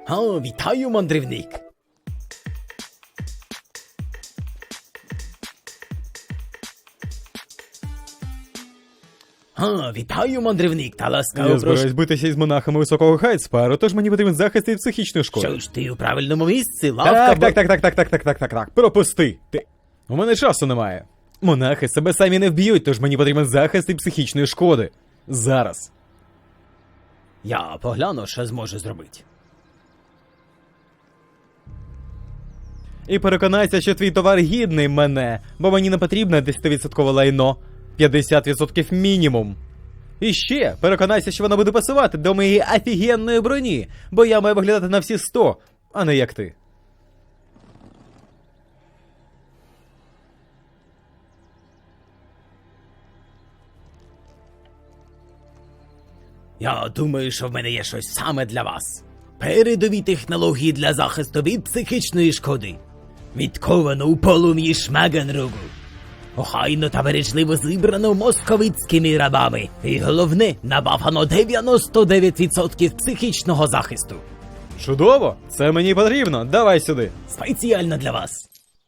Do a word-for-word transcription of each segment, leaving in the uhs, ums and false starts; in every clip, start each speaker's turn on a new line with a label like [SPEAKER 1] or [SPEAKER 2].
[SPEAKER 1] О, вітаю, мандрівник. О, вітаю, мандрівник, та ласкаво
[SPEAKER 2] Я
[SPEAKER 1] прошу.
[SPEAKER 2] збираюсь битися із монахами високого Хайдспару, тож мені потрібен захист від психічної шкоди.
[SPEAKER 1] Що ж, ти у правильному місці, лавка...
[SPEAKER 2] Так,
[SPEAKER 1] бо-
[SPEAKER 2] так, так, так, так, так, так, так, так, так. Пропусти. Ти. У мене часу немає. Монахи себе самі не вб'ють, тож мені потрібен захист від психічної шкоди. Зараз.
[SPEAKER 1] Я погляну, що зможу зробити.
[SPEAKER 2] І переконайся, що твій товар гідний мене, бо мені не потрібне десять відсотків лайно. п'ятдесят відсотків мінімум. І ще, переконайся, що воно буде пасувати до моєї офігенної броні, бо я маю виглядати на всі сто, а не як ти.
[SPEAKER 1] Я думаю, що в мене є щось саме для вас. Передові технології для захисту від психічної шкоди. Відковано у полум'ї Шмагенругу. Охайно та бережливо зібрано московицькими рабами. І головне, набавано дев'яносто дев'ять відсотків психічного захисту.
[SPEAKER 2] Чудово! Це мені потрібно. Давай сюди.
[SPEAKER 1] Спеціально для вас.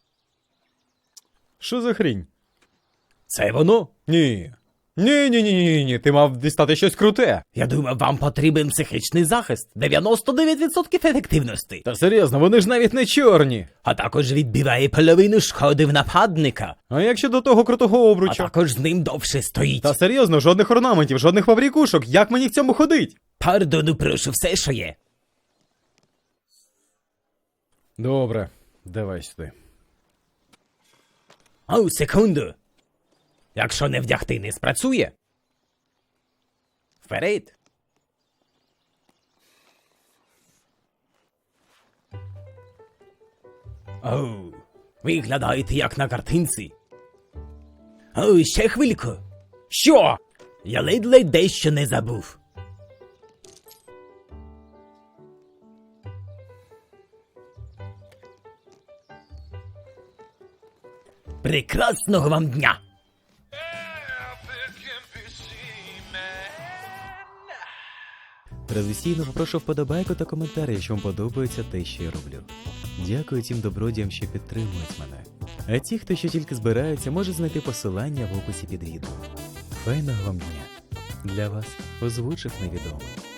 [SPEAKER 2] Що за хрінь?
[SPEAKER 1] Це воно?
[SPEAKER 2] Ні. Ні, ні, ні, ні, ні, ти мав дістати щось круте.
[SPEAKER 1] Я думав, вам потрібен психічний захист. дев'яносто дев'ять відсотків ефективності.
[SPEAKER 2] Та серйозно, вони ж навіть не чорні.
[SPEAKER 1] А також відбиває половину шкоди в нападника.
[SPEAKER 2] А як щодо того крутого
[SPEAKER 1] А
[SPEAKER 2] обруча?
[SPEAKER 1] також з ним довше стоїть.
[SPEAKER 2] Та серйозно, жодних орнаментів, жодних фабрикушок. Як мені в цьому ходить?
[SPEAKER 1] Пардону, прошу, все, що є.
[SPEAKER 2] Добре, давай сюди.
[SPEAKER 1] Оу, секунду. Якщо не вдягти, не спрацює. Вперед. Оу, виглядаєте як на картинці. Оу, ще хвильку. Що? Я ледь-ледь дещо не забув. Прекрасного вам дня!
[SPEAKER 3] Традиційно попрошу вподобайку та коментар, якщо вам подобається те, що я роблю. Дякую тим добродіям, що підтримують мене. А ті, хто ще тільки збирається, може знайти посилання в описі під відео. Файного вам дня! Для вас озвучив невідомий.